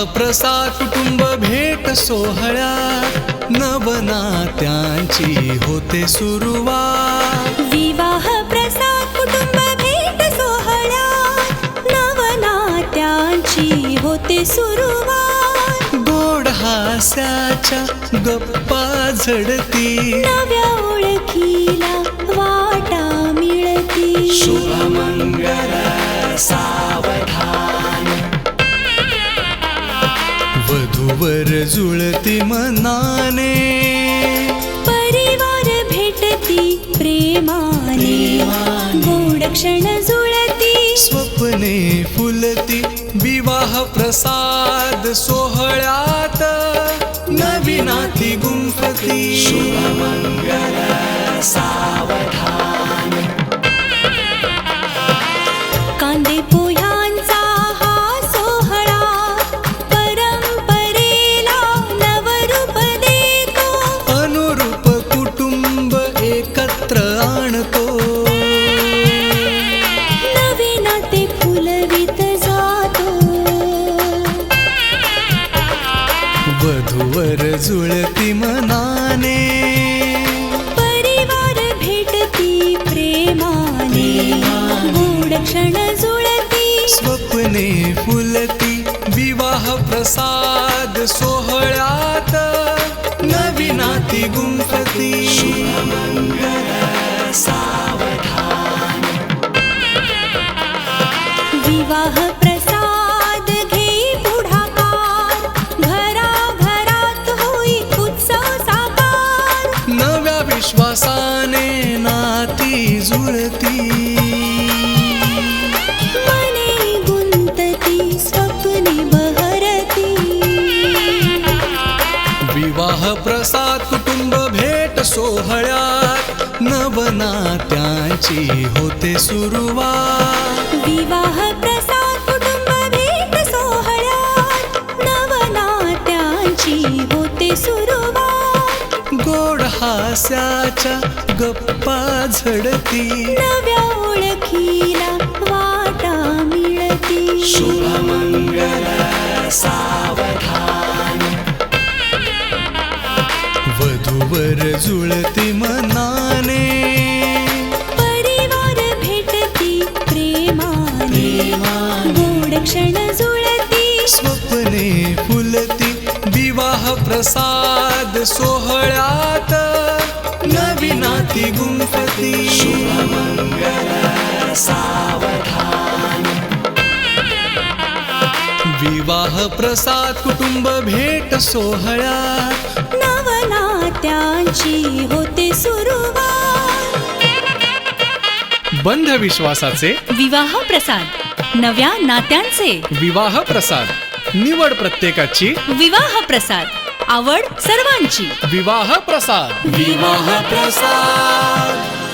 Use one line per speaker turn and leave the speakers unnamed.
प्रसाद कुटुंब भेट सोहळ्यात नवनात्यांची होते सुरुवात।
विवाह प्रसाद कुटुंब भेट सोहळ्यात नवनात्यांची होते सुरुवात।
गोड हास्याच्या गप्पा झडती,
नव्या ओळखीला वाटा मिळती।
शुभमंगल सावधान, वधूवर जुळती मनाने,
परिवार भेटती प्रेमाने, गोड क्षण जुळती,
स्वप्ने फुलती। विवाह प्रसाद सोहळ्यात नवी नाती गुंफती। शुभमंगल सावधान,
कांदे पोह्यांचा हा सोहळा परंपरेला नवरूप देतो।
अनुरूप कुटुंब एकत्र आणतो,
नवे नाते फुलवित जातो।
वधूवर जुळती मनाने,
परिवार भेटती प्रेमाने, गोड क्षण जुळती,
स्वप्ने फुलती। विवाह प्रसाद सोहळ्यात नवी नाती गुंफती। शुभमंगल सावधान,
विवाह प्रसाद घे पुढाकार, घराघरात होई उत्सव साकार।
नव्या विश्वासाने नाती जुळती,
मने गुंतती, स्वप्ने बहरती।
विवाह प्रसाद कुटुंब भेट सोहळ्यात नवनात्यांची होते सुरुवात।
विवाह प्रसाद कुटुंब भेट सोहळ्यात नवनात्यांची होते सुरुवात।
गोड हास्याच्या गप्पा झडती,
नव्या ओळखीला वाटा मिळती।
शुभमंगल सावधान, वधूवर जुळती मनाने,
परिवार भेटती प्रेमाने, गोड क्षण जुळती,
स्वप्ने फुलती। विवाह प्रसाद सोहळ्यात नवी नाती गुंफती। शुभमंगल सावधान, विवाह प्रसाद कुटुंब भेट सोहळ्यात
नवनात्यांची होते सुरुवात।
बंध विश्वासाचे
विवाह प्रसाद, नव्या नात्यांचे
विवाह प्रसाद, निवड प्रत्येकाची
विवाह प्रसाद, आवड सर्वांची
विवाह प्रसाद। विवाह प्रसाद।